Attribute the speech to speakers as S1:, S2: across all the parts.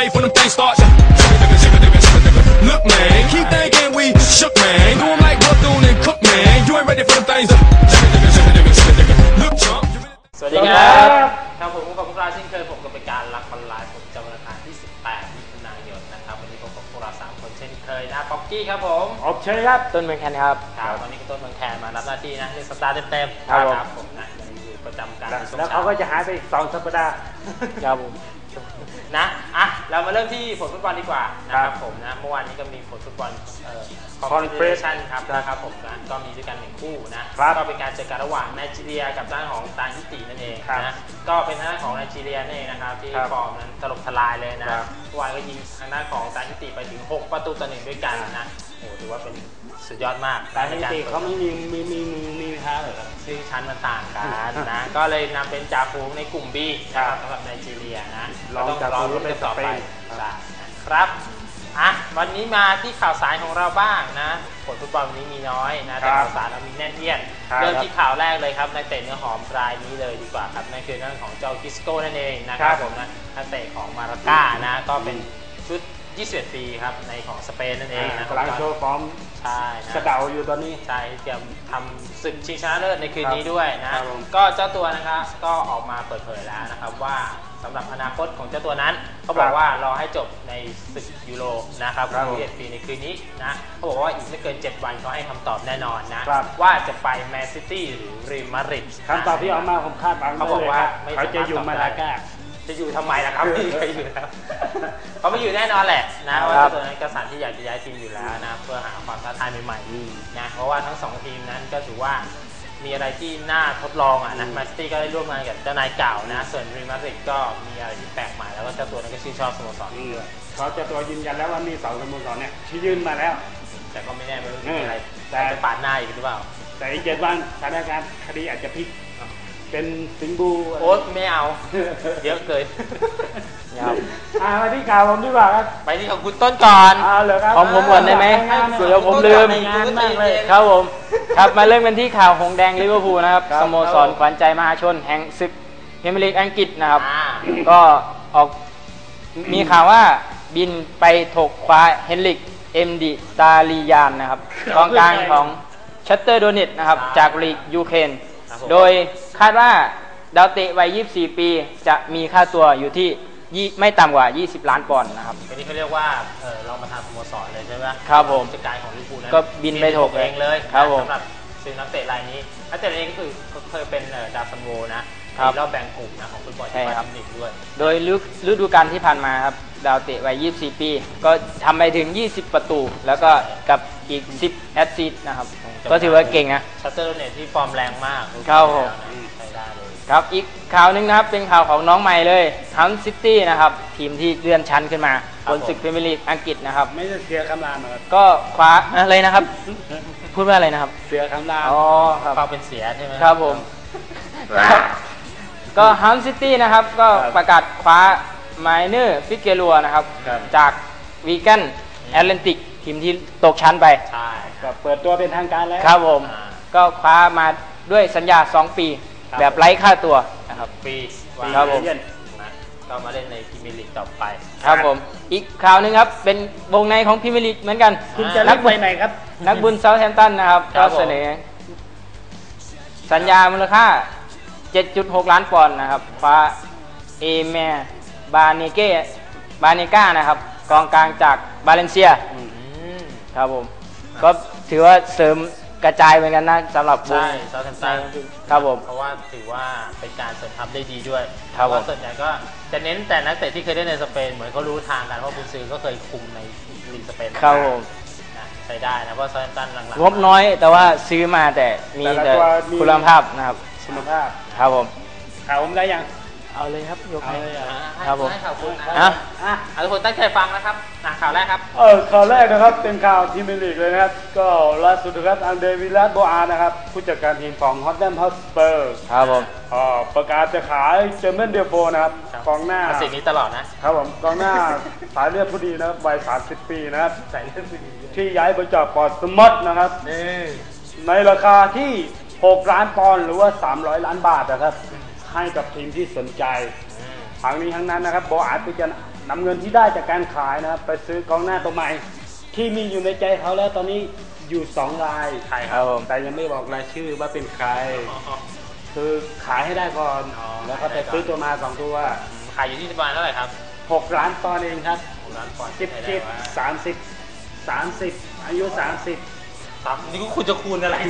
S1: ready for them things start. Look, man, keep thinking we shook, man. Do 'em like Bethune and Cook, man. You ain't ready for them things. Look, chump.
S2: สวัสดีครับครับผมกับพวกเราเช่นเคยผมกับเป็นการรักออนไลน์ผมจำวันอังคารที่ 18 มิถุนายนนะครับวันนี้ผมกับพวกเรา3คนเช่นเคยนะป๊อกกี้ครับผม
S3: อบเชยครับต้นเมืองแคนครับ
S2: ครับตอนนี้ก็ต้นเมืองแคนมารับหน้าที่นะในสัปดาห์เต็มๆครับผมนะอยู่ประจำการ
S3: แล้วเขาก็จะหายไปอีก2 สัปดาห์ครับผม
S2: นะเรามาเริ่มที่ผลฟุตบอลดีกว่านะครับผมนะเมื่อวานนี้ก็มีผลฟุตบอลคอนเฟอเรชั่นครับนะครับผมนะก็มีด้วยกัน1คู่นะก็เป็นการเจอกันระหว่างไนจีเรียกับด้านของตาฮิตินั่นเองนะก็เป็นทางด้านของไนจีเรียนั่นเองนะครับที่ฟอร์มนั้นถล่มทลายเลยนะเมื่อวานก็ยิงทางด้านของตาฮิติไปถึง6-1ด้วยกันนะโอ้ถือว่าเป็นสุดยอดมาก
S3: ตาฮิติเขาไม่มีท้าเลย
S2: ซึ่งชั้นมันต่างกันนะก็เลยนำเป็นจ่าฝูงในกลุ่ม B นะครับสำหรับไนจีเรียนะต้องรอรุ้นกันต่อไปครับวันนี้มาที่ข่าวสารของเราบ้างนะผลฟุตบอลวันนี้มีน้อยนะแต่ข่าวสารเรามีแน่นเอียดเริ่มที่ข่าวแรกเลยครับนักเตะเนื้อหอมรายนี้เลยดีกว่าครับนั่นคือเรื่องของเจ้ากิสโก้นั่นเองนะครับผมนะนักเตะของมาราก้านะก็เป็นชุด21 ปีครับในของสเปนนั่นเองนะ
S3: กำลังโชว์ฟอร์ม
S2: ใช่
S3: กระเดาอยู่ตอนนี้
S2: ใช่เตรียมทำศึกชิงชนะเลิศในคืนนี้ด้วยนะก็เจ้าตัวนะครับก็ออกมาเปิดเผยแล้วนะครับว่าสำหรับอนาคตของเจ้าตัวนั้นเขาบอกว่ารอให้จบในศึกยูโรนะครับ21 ปีในคืนนี้นะเขาบอกว่าอีกไม่เกิน7 วันเขาให้คำตอบแน่นอนนะว่าจะไปแมนซิตี้หรือเรอัลมาดริด
S3: คำตอบที่ออกมาผมคาดหวัง
S2: เขาบอกว่า
S3: เขาจะอยู่มาลาก้า
S2: จะอยู่ทำไมล่ะครับไม่เคยอยู่แล้วเขาไม่อยู่แน่นอนแหละนะว่าตัวนั้นกษัตริย์ที่อยากจะย้ายทีมอยู่แล้วนะเพื่อหาความท้าทายใหม่ๆนะเพราะว่าทั้ง2ทีมนั้นก็ถือว่ามีอะไรที่น่าทดลองนะแมนซิตี้ก็ได้ร่วมงานกับเจ้านายเก่านะส่วนเรอัลมาดริดก็มีอะไรที่แปลกใหม่แล้วก็เจ้าตัวนั้นก็ชื่นชอบสโมสรนี้ด้วย
S3: เขาเจ้าตัวยืนยันแล้วว่ามี2 สโมสรเนี่ยที่ยื่นมาแล้ว
S2: แต่ก็ไม่แน่ไม่รู้มีอะไรแต่จะปาดหน้าอีกหรือเปล่า
S3: แต่อีก7 วันสถานการณ์คดีอาจจะพลิกเป็นสิงบู
S2: โอ๊ตไม่เอาเยอะเกิน
S3: มาที่ข่าวผมดีกว่าครับ
S2: ไปที่ของคุณต้นก่อน
S3: ของผมก่อนได้ไหมเดี๋ยวผมลืมครับผมครับมาเริ่มกันที่ข่าวหงแดงลิเวอร์พูลนะครับสโมสรขวัญใจมหาชนแห่งศึกพรีเมียร์ลีกอังกฤษนะครับก็ออกมีข่าวว่าบินไปถกคว้าเฮนริกเอ็มดิตาลียานนะครับกองกลางของชัตเตอร์โดเนตนะครับจากลีกยูเครนโดยคาดว่าดาวเตะวัย24 ปีจะมีค่าตัวอยู่ที่ไม่ต่ำกว่า20 ล้านปอนด์นะครับ
S2: อันนี้เขาเรียกว่าเรามาทำสโมสรเลยใช่ไหม
S3: ครับผม
S2: จัดการของลิเวอร์พูลนั้น
S3: ก็บินไปถก
S2: เองเลย
S3: ครับผม
S2: สำหรับซื้อนักเตะรายนี้นักเตะรายนี้ก็คือเคยเป็นดาวซันโวนะรอบแบ่งกลุ่มนะของฟุตบอลที่มาทีมหนึ่งด้วย
S3: โดยฤดูกาลที่ผ่านมาครับดาวเตะวัย24 ปีก็ทำไปถึง20 ประตูแล้วก็กับอีก10 แอสซิสต์นะครับก็ถือว่าเก่งนะ
S2: ชัตเตอร์เน็ตที่ฟอร์มแรงมาก
S3: ครับผมครับอีกข่าวนึงนะครับเป็นข่าวของน้องใหม่เลยฮันซิตี้นะครับทีมที่เลื่อนชั้นขึ้นมาบนศึกพรีเมียร์ลีกอังกฤษนะครับ
S2: ไม่ได้เสียคำรามครับ
S3: ก็คว้าอะไรนะครับพูดว่าอะไรนะครับ
S2: เสียคำรามครับเป็นเสียใช่ไหม
S3: ครับผมก็ฮันซิตี้นะครับก็ประกาศคว้าไมเนอร์ฟิกเกลัวนะครับจากวีแกนแอตแลนติกทีมที่ตกชั้นไป
S2: ใช่
S3: ก็เปิดตัวเป็นทางการแล้วครับผมก็คว้ามาด้วยสัญญา2 ปีแบบไร้ค่าตัวนะครับ
S2: ปี
S3: ครับผม
S2: ก็มาเล่นในพรีเมียร์ลีกต่อไป
S3: ครับผมอีกข่าวนึงครับเป็นวงในของพรีเมียร์ลีกเหมือนกัน
S2: คุณจะนักบุญไหนครับ
S3: นักบุญเซาท์แฮมป์ตันนะครับก็เสนอสัญญามูลค่า 7.6 ล้านปอนด์นะครับคว้าเอเมบาเนก้านะครับกองกลางจากบาเลนเซียครับผมก็ถือว่าเสริมกระจายเหมือนกันนะสำหรับ
S2: ใช่เซาท์แฮมป์ตัน
S3: ครับผม
S2: เพราะว่าถือว่าเป็นการเสริมทัพได้ดีด้วยเพราะว่าส่วนใหญ่ก็จะเน้นแต่นักเตะที่เคยได้ในสเปนเหมือนเขารู้ทางกันเพราะคุณซื้อก็เคยคุมในลีกสเปน
S3: ครับผม
S2: ใช้ได้นะเพราะเซาท์แฮมป์ตันหลัง
S3: ๆงบน้อยแต่ว่าซื้อมาแต่มีแต่คุณภาพนะครับ
S2: คุณภาพ
S3: ครับผม
S2: ข่าวผมได้ยัง
S3: เอาเลยครับยก
S2: เลย
S3: ครับผม
S2: ข่าวคุณทุกคนตั้งใจฟังนะครับข่าวแรกครับ
S3: ข่าวแรกนะครับเป็นข่าวพรีเมียร์ลีกเลยนะครับก็ล่าสุดครับอันเดวิลาโบอานะครับผู้จัดการทีมของฮอตแลนด์ฮอตสเปอร์ครับผมประกาศจะขายเจอร์เมนเดโฟนะครับกองหน้า
S2: สิ่งนี้ตลอดนะครับ
S3: ผมกองหน้าสายเลือดผู้ดีนะครับวัย30 ปีนะครับสายเลือดผู้ดีที่ย้ายมาจากพอร์ตสมอตนะครับในราคาที่6 ล้านปอนด์หรือว่า300 ล้านบาทนะครับให้กับทีมที่สนใจ
S4: ทั้งนี้ทั้งนั้นนะครับโบอาจจะนำเงินที่ได้จากการขายนะครับไปซื้อกองหน้าตัวใหม่ที่มีอยู่ในใจเขาแล้วตอนนี้อยู่2 ราย
S2: ใครครับ
S4: แต่ยังไม่บอกรายชื่อว่าเป็นใคร คือขายให้ได้ก่อนแล้วก็ไปซื้อตัวมา2 ตัว
S2: ขายอยู่ที่ประมาณเท่าไหร่ครับ
S4: 6 ล้านปอนด์เองครับ
S2: 6 ล้านปอนด์
S4: 30 อายุ 30
S2: นี่คุณจะคูณอะไร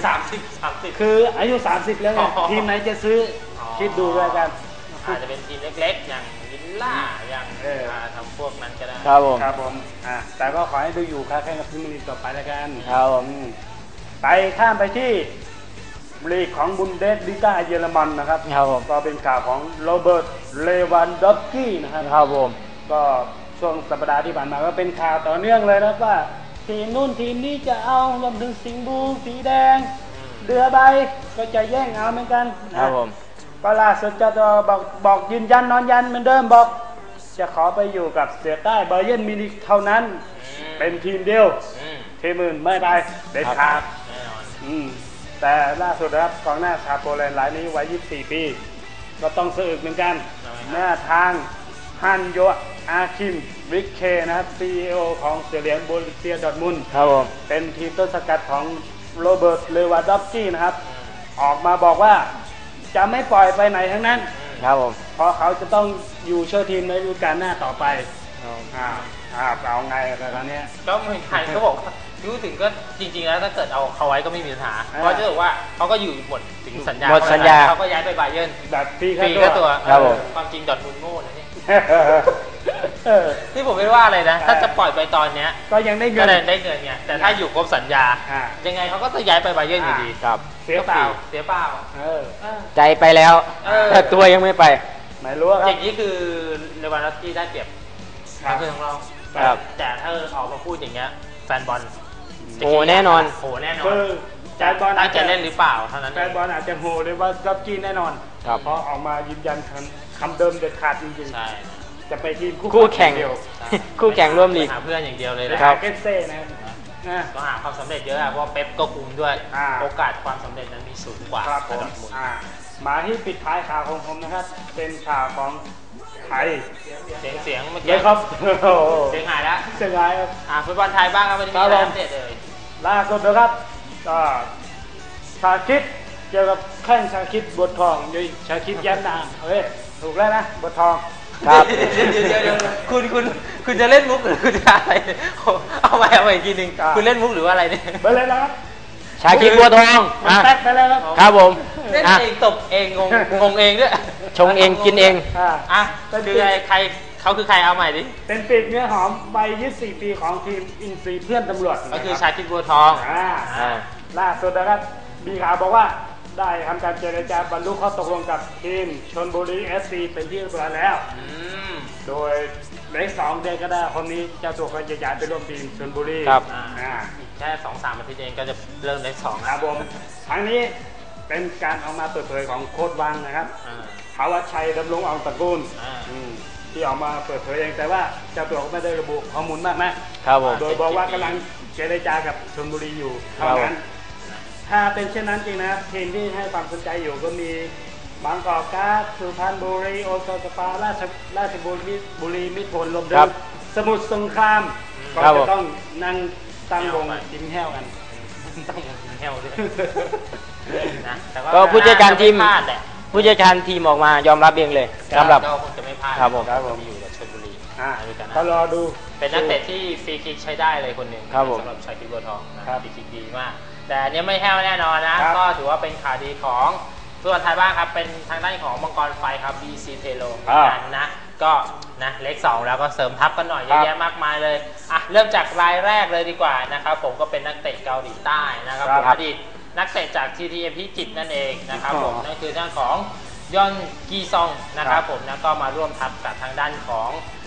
S2: 30
S4: คืออายุ 30 แล้วไงทีมไหนจะซื้อคิดดูด้วยกัน
S2: อาจจะเป็นทีมเล็กๆ อย่างวิลล่าอย่างทำพวกนั้นก็ได้
S3: ครับผม
S4: ครับผมแต่ก็ขอให้ดูอยู่ค้าแข่งกับพรีเมียร์ลีกต่อไปแล้วกัน
S3: ครับผม
S4: ไปข้ามไปที่ลีกของบุนเดสลิก้าเยอรมันนะครับ
S3: ครับผม
S4: ก็เป็นข่าวของโรเบิร์ตเลวันดอฟสกี้นะครับ
S3: ครับผม
S4: ก็ช่วงสัปดาห์ที่ผ่านมาก็เป็นข่าวต่อเนื่องเลยนะว่าทีมนู่นทีมนี้จะเอารวมถึงสิงห์บูสีแดงเรือใบก็จะแย่งเอาเหมือนกัน
S3: ครั
S4: นะ
S3: บผม
S4: ก็ล่าสุดจะบอกยืนยันนอนยันเหมือนเดิมบอกจะขอไปอยู่กับเสือใต้บาเยิร์นมิวนิกเท่านั้นเป็นทีมเดียวทีมอื่นไม่ไปเด็ดขาด
S2: แน่นอน
S4: แต่ล่าสุดนะครับกองหน้าชาวโปแลนด์รายนี้วัย24 ปีก็ต้องสะอึกเหมือนกันหน้าทางฮันโยอาคิมวิกเคนะครับ CEO ของเสือเหลืองโบรุสเซียดอร์ทมุนด์
S3: ครับผม
S4: เป็นทีมต้นสังกัดของโรเบิร์ตเลวานดอฟสกี้นะครับออกมาบอกว่าจะไม่ปล่อยไปไหนทั้งนั้น
S3: ครับผม
S4: เพราะเขาจะต้องอยู่เชื่อทีมในฤดูกาลหน้าต่อไปเอาไงกันตอนนี้
S2: ก็ไม่ใครก็บอกว่าพูดถึงก็จริงๆแล้วถ้าเกิดเอาเขาไว้ก็ไม่มีปัญหาเพราะจะบอกว่าเขาก็อยู่หมดถึงสัญญา
S3: หมดสัญญา
S2: เขาก็ย้ายไปบาเยิร์น
S4: แบบฟรี
S2: ฟรี
S4: ค่า
S2: ก็
S4: ตั
S2: ตัว ว
S3: ครับผม
S2: ความจริงดอร์ทมุนด์โง่นะเนี่ย
S4: เออ
S2: ที่ผมไม่ว่าเลยนะ ถ้าจะปล่อยไปตอนเนี้ย
S4: ก็ยังได้เงิ
S2: ก็
S4: น
S2: ได้เงินไงแต่ถ้าอยู่ครบสัญญา
S4: อ่า
S2: ยังไงเขาก็จะย้ายไปบาเยิร์นอยู่ดี
S3: ครับ
S4: เสียเปล่า
S2: เสียเปล่า
S4: เออ
S3: ใจไปแล้ว
S2: เออ
S3: แต่ตัวยังไม่ไป
S4: ไม่รู้ค
S2: อ
S4: รับ
S2: ย่างนี้คือเลวานดอฟสกี้ได้เปรียบ
S4: ครับ
S2: ทั้งคือของเรา
S3: ครับ
S2: แต่ถ้าออกมาพูดอย่างเงี้ยแฟนบอล
S3: โอ้แน่นอน
S2: โอ้แน่นอน
S4: คือแฟนบอล
S2: ตั้งใจเล่นหรือเปล่าเท่านั้น
S4: แฟ
S2: เอน ง
S4: บอลอาจจะโหเลยว่ารับจีนแน่นอน
S3: ครับ
S4: เพราะออกมายืนยันคำเดิมเด็ดขาดจริง
S2: ใช่
S4: ๆจะไปทีม
S3: คู่แข่ง
S4: เดียว
S3: คู่แข่งร่วมลีก
S2: หาเพื่อนอย่างเดียวเลย
S4: ไป
S2: นะ
S4: หาเกสเซ่นะนะ
S2: ก็หาความสำเร็จเยอะอะเพราะว่าเป๊ปก็คุมด้วย
S4: อ่า
S2: โอกาสความสำเร็จนั้นมีสูงกว่า
S4: ครับผม
S2: ดอร์ทมุนด์
S4: มาที่ปิดท้ายข่าวของผมนะครับ เป็นข่าวของไทย
S2: เสียงเมื่อ
S4: เย
S2: กี้
S4: อะครับโอ้โห
S2: เสียงหายแล้ว
S4: เสียดายครับ
S2: ฟุตบอลไทยบ้างครับวันนี้
S4: ครั
S2: มี
S4: บ
S2: อะไร
S4: ผม
S2: อัปเดตเลย
S4: ล่าสุดนะครับก็ชาคิดเกี่ยวกับแข้งชาคิดบททองยุยชาคิดแย้มนามเฮ้ยถูกแล้วนะบททอง
S3: ครับ
S2: เดี๋ยวคุณจะเล่นมุกหรือคุณจะอะไรเอาไปอีกทีหนึ่งคุณเล่นมุกหรือว่าอะไรเนี่ย
S4: ไปเลยนะครับ
S3: ชาคิดบัวทอง
S4: มัน
S3: อ่ะ
S4: แป๊กไปแล้วครับ
S3: ครับผม
S2: เล่น
S3: อ่ะ
S2: เองตบเองงงเองด้วย
S3: ชงเองกินเอง
S2: อ่ะคือใครเขาคือใครเอาใหม่ดิ
S4: เป็นปีกเนื้อหอมวัย24 ปีของทีมอินซีเพื่อนตำรวจ
S2: ก็คือชาคิดบัวทอง
S4: อ่าล่าสุดนะครับมีข่าวบอกว่าได้ทำการเจรจาบรรลุข้อตกลงกับทีมชลบุรีFC เป็นที่เรียบร้อยแล้ว โดยใน2 เดือนก็ได้คนนี้เจ้าตัวก็จะย้ายไปร่วมทีมชลบุรี
S3: ครับ
S2: อีกแค่ 2-3 อาทิตย์เองก็จะเริ่มได้สอง
S4: ครับผมทั้งนี้เป็นการออกมาเปิดเผยของโค้ชวังนะครับภาวชัยดำรงอองตระกูลที่ออกมาเปิดเผยเองแต่ว่าเจ้าตัวก็ไม่ได้ระบุข้อมูลมากนะครับ
S3: ผม
S4: โดยบอกว่ากำลังเจรจากับชลบุรีอยู่เท่านั้นถ้าเป็นเช่นนั้นจริงนะครับทีมที่ให้ความสนใจอยู่ก็มีบางกอกการ์ดสุพรรณบุรีโอซาสปาราชบุรีมิตรผลรวมถึ
S3: ครั
S4: ง
S3: บ
S4: สมุทรสงครามก็
S3: ครับผ
S4: จะ
S3: ม
S4: ต้องนั่งตั้งวงกินแห้วกัน
S2: ต้องแฮวด้วยนะแต่ว่
S3: ก็ผู้จัดการทีม
S2: ไพลาดแหละ
S3: ผู้จัดการทีมออกมายอมรับเองเลยสำหรับ
S2: ก็คงจะไม่พลาด
S3: ครับผม
S2: จะอยู่กับชลบุรี ในการ
S4: ก็รอดู
S2: เป็นนักเตะที่ฟรีคิกใช้ได้เลยคนหนึ่ง
S3: ครับผม
S2: สำหรับชายคิดบัวทองนะครับ ฟรีคิกดีมาก แต่อันเนี้ยไม่แห้วแน่นอนนะ
S4: ครับ
S2: ก็ถือว่าเป็นข่าวดีของฟุตบอลไทยบ้างครับ เป็นทางด้านของมังกรไฟครับ BC Telo กันนะ ก็นะเลข2แล้วก็เสริมทัพกันหน่อยเยอะแยะมากมายเลยอ่ะเริ่มจากรายแรกเลยดีกว่านะครับผมก็เป็นนักเตะเกาหลีใต้นะครับผมอดีตนักเตะจาก TTM พิจิตรนั่นเองนะครับผมนั่นคือด้านของยอนกีซองนะครับผมนะก็มาร่วมทัพกับทางด้านของ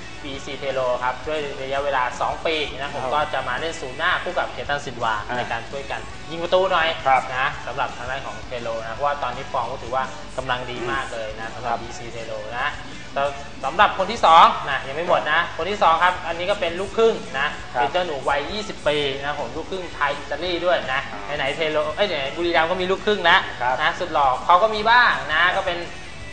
S2: BC Telo ครับด้วยระยะเวลา 2 ปีนะผมก็จะมาเล่นศูนย์หน้าคู่กับเคตันซินวาในการช่วยกันยิงประตูหน่อยนะสำหรับทางด้านของเทโลนะเพราะว่าตอนนี้ฟอร์มก็ถือว่ากำลังดีมากเลยนะสำหรับ BC Telo นะสำหรับคนที่2นะยังไม่หมดนะคนที่2ครับอันนี้ก็เป็นลูกครึ่งนะเป็นเจ้าหนูวัย20 ปีนะผมลูกครึ่งไทยอิตาลีด้วยนะไหนเทโลไหนบุรีรัมย์ก็มีลูกครึ่งนะสุดหล่อเขาก็มีบ้างนะก็เป็น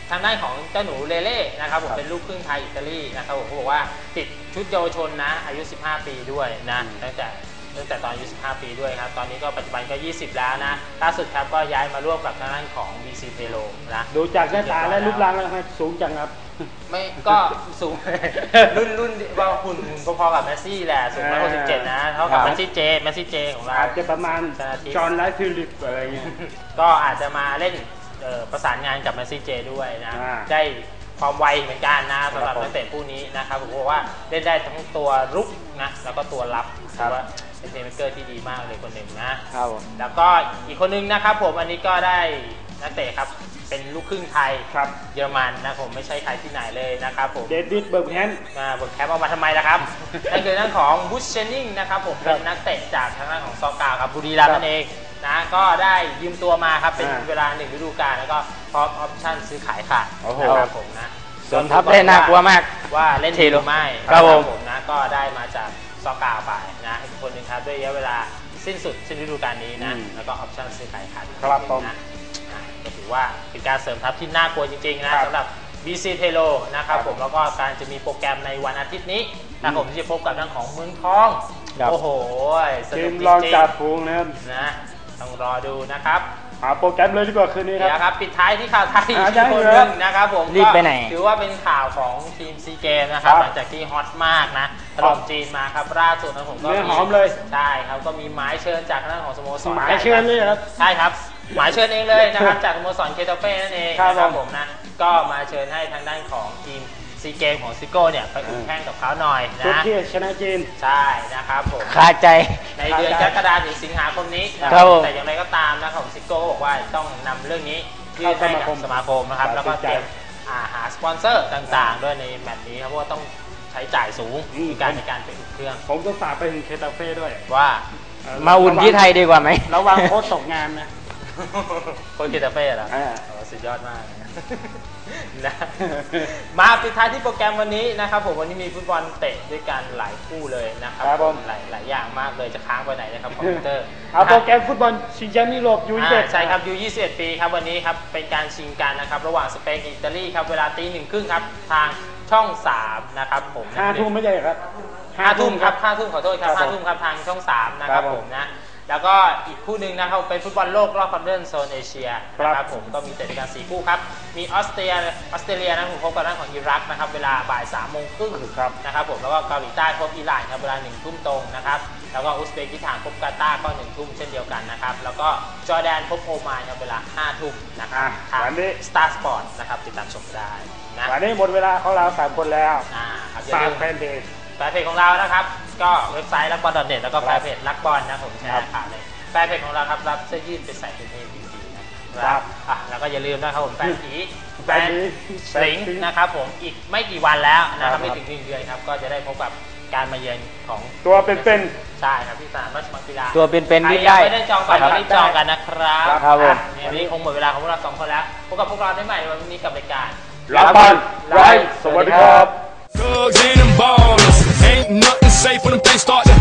S2: ทางด้านของเจ้าหนูเลเล่นะครับผมเป็นลูกครึ่งไทยอิตาลีนะครับผมเขาบอกว่าติดชุดเยาวชนนะอายุ15 ปีด้วยนะตั้งแต่ตอนอายุ15 ปีด้วยครับตอนนี้ก็ปัจจุบันก็20แล้วนะล่าสุดครับก็ย้ายมาร่วมกับทางด้านของ BC Pelo นะ
S4: ดูจากหน้าตาและรูปร่างแล้วสูงจังครับ
S2: ไม่ก็สูง รุ่นว่าหุ่นพอๆกับแมสซี่แหละสูง167นะเท่ากับแมสซี่เจของเรา
S4: อาจจะประมาณจอห์นไลท์ฟิลิปอะไรเงี้ย
S2: ก็อาจจะมาเล่นประสานงานกับแมสซี่เจด้วยนะได้ความไวเหมือนกันนะสำหรับนักเตะผู้นี้นะครับผมบอกว่าเล่นได้ทั้งตัวรุกนะแล้วก็ตัวรับถือว่าเป็นเพลย์เมคเกอร์ที่ดีมากเลยคนหนึ่งนะครับแล้วก็อีกคนนึงนะครับผมอันนี้ก็ได้นักเตะครับเป็นลูกครึ่งไทยเยอรมันนะผมไม่ใช่ใครที่ไหนเลยนะครับผม
S4: เดวิดเบิร์กแฮม
S2: เอามาทำไมล่ะครับ นั่นคือนั่นของบูชเชนนิงนะครับผมเป็นนักเตะจากทางด้านของซอกาครับบุรีรัมย์นั่นเองนะก็ได้ยืมตัวมาครับเป็นเวลา1 ฤดูกาลแล้วก็พร้อมออปชั่นซื้อขายขาดนะครับผมนะ
S3: ส่วนทัพได้น่ากลัวมาก
S2: ว่าเล่นดีหรือไม่
S3: ครับ
S2: ผมนะก็ได้มาจากซอกาไปนะอีกคนหนึ่งครับด้วยระยะเวลาสิ้นฤดูกาลนี้นะแล้วก็ออปชั่นซื้อขายขาด
S4: ครับผม
S2: นะก็ถือว่าเป็นการเสริมทัพที่น่ากลัวจริงๆนะสำหรับ BC Pelo นะครับผมแล้วก็การจะมีโปรแกรมในวันอาทิตย์นี้นะผมที่จะพบกับทางของเมืองทองโอ้โหสนุกจริงๆ
S4: ลองจับฟูงนะครับ
S2: นะต้องรอดูนะครับ
S4: โปรแกรมเลยดีกว่าคืนนี้
S2: ครับปิดท้ายที่ข่าวไทยอีกคนนึงนะครับผม
S3: รีบไปไหน
S2: ถือว่าเป็นข่าวของทีมซีเกมนะครับหลังจากที่ฮอตมากนะถล่มจีนมาครับล่าสุดนะผมก็
S4: หอมเลย
S2: ใช่ครับก็มีหมายเชิญจากทางด้านของสโมสร
S4: หมายเชิญเลยครับ
S2: ใช่ครับหมายเชิญเองเลยนะครับจากสโมสรเคตาเฟ่นั่นเองนะครับผมนะก็มาเชิญให้ทางด้านของทีมซีเกมของซิโก้เนี่ยไปอุ่นแข่งกับเขาหน่อยนะ
S4: ที่ชนะจีน
S2: ใช่นะครับผม
S3: คาใจ
S2: ในเดือนกรกฎาคมถึงสิงหาคมนี้แต่อย่างไรก็ตามนะของซิโก้บอกว่าต้องนำเรื่องนี้ยื่นให้กับสมาคมนะครับแล้วก็เตรียมหาสปอนเซอร์ต่างๆด้วยในแมตช์นี้ครับเพราะว่าต้องใช้จ่ายสูงในการไปอุ่นเครื่อง
S4: ผมก็ฝากไปถึงเคตาเฟ่ด้วย
S2: ว่า
S3: มาอุ่นที่ไทยดีกว่าไหม
S4: ระวังโค้ชตกงานนะ
S2: คนเคตาเฟ่เหรอสุดยอดมากนะมาปิดท้ายที่โปรแกรมวันนี้นะครับผมวันนี้มีฟุตบอลเตะด้วยกันหลายคู่เลยนะครับหลายอย่างมากเลยจะค้างไปไหนนะครับคอมพิวเตอร์
S4: โปรแกรมฟุตบอลชิงแชมป์ยุโรป
S2: ใช่ครับU21 ปีครับวันนี้ครับเป็นการชิงกันนะครับระหว่างสเปนกับอิตาลีครับเวลา 1:30 ครับทางช่อง3นะครับผม
S4: 5 ทุ่มไม่ใช่ครับ
S2: 5 ทุ่มครับ5 ทุ่มขอโทษครับ5 ทุ่มครับทางช่อง3นะครับผมนะแล้วก็อีกคู่หนึ่งนะครับเป็นฟุตบอลโลกรอบคัดเลือกโซนเอเชียนะครับผมก็มีเตะด้วยกัน4 คู่ครับมีออสเตรเลียนะผมพบกับด้านของอิรักนะครับเวลาบ่าย 3:30 นะครับผมแล้วก็เกาหลีใต้พบอิหร่านครับเวลา 1 ทุ่มตรงนะครับแล้วก็อุซเบกิสถานพบกาตาร์ก็ 1 ทุ่มเช่นเดียวกันนะครับแล้วก็จอร์แดนพบโอมานครับเวลา 5 ทุ่มนะครับทาง Star Sport นะครับติดตามชมได้นะ
S4: วันนี้หมดเวลาของเรา3 คนแล้วฝากแฟนเพ
S2: จของเรานะครับก็เว็บไซต์รักบอล.net แล้วก็แฟนเพจรักบอลนะผมแชร์ข่าวเลยแฟนเพจของเราครับรับเสื้อยืดไปใส่เป็นเพจดีๆนะครับแล้วก็อย่าลืมนะครับผมแฟนผีแฟนสิงห์นะครับผมอีกไม่กี่วันแล้วนะครับไม่ถึง1 เดือนครับก็จะได้พบกับการมาเยือนของ
S4: ตัวเป็น
S2: ๆใช่ครับที่สนามราชมังคลา
S3: ตัวเป็นๆได้
S2: ไม่ได้จองบัตรไม่ได้จองกันนะครับวันนี้คงหมดเวลาของพวกเรา2 คนแล้วพบกับพวกเราได้ใหม่วันนี้กับรายการ
S4: รักบอลไร้สวัสดีครับ
S1: Thugs and them ballers, ain't nothing safe when them things start to